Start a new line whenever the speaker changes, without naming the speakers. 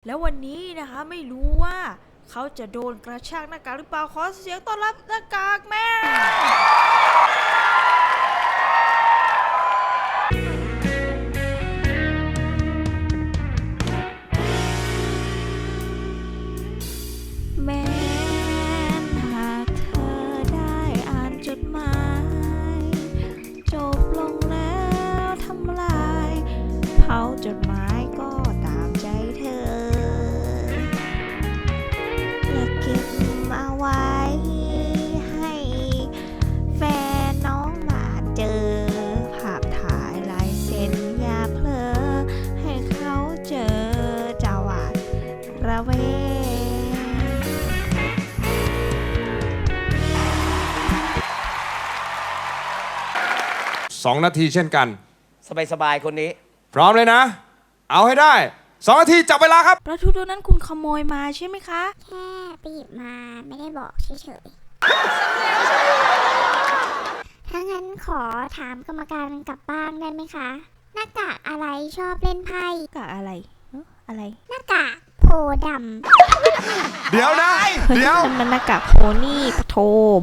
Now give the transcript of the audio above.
แล้ววันนี้นะคะไม่รู้ว่าเขาจะโดนกระชากหน้ากากหรือเปล่าขอเสียงต้อนรับหน้ากากแม่แม้หากเธอได้อ่านจดหมายจบลงแล้วทำลายเผาจดหมายก็ตามใจเธออย่าเก็บเอาไว้ให้แฟนน้องมาเจอภาพถ่ายลายเซ็นอย่าเพลอให้เขาเจอจะหวาดระแวง
2 นาทีเช่นกัน
สบายๆคนนี้
พร้อมเลยนะ เอาให้ได้ 2 นาทีจับเวลาครับ
ปลาทูตัวนั้นคุณขโมยมาใช่ไหมคะ
แค่ไปหยิบมาไม่ได้บอกเฉยๆ ถ้างั้นขอถามกรรมการกลับบ้านได้ไหมคะ หน้ากากอะไรชอบเล่นไพ่
กะอะไรอะไร
หน้ากากโพด
เดี๋ยวนะ เดี๋ยว
นั่นมันหน้ากากโพนี่ปะโท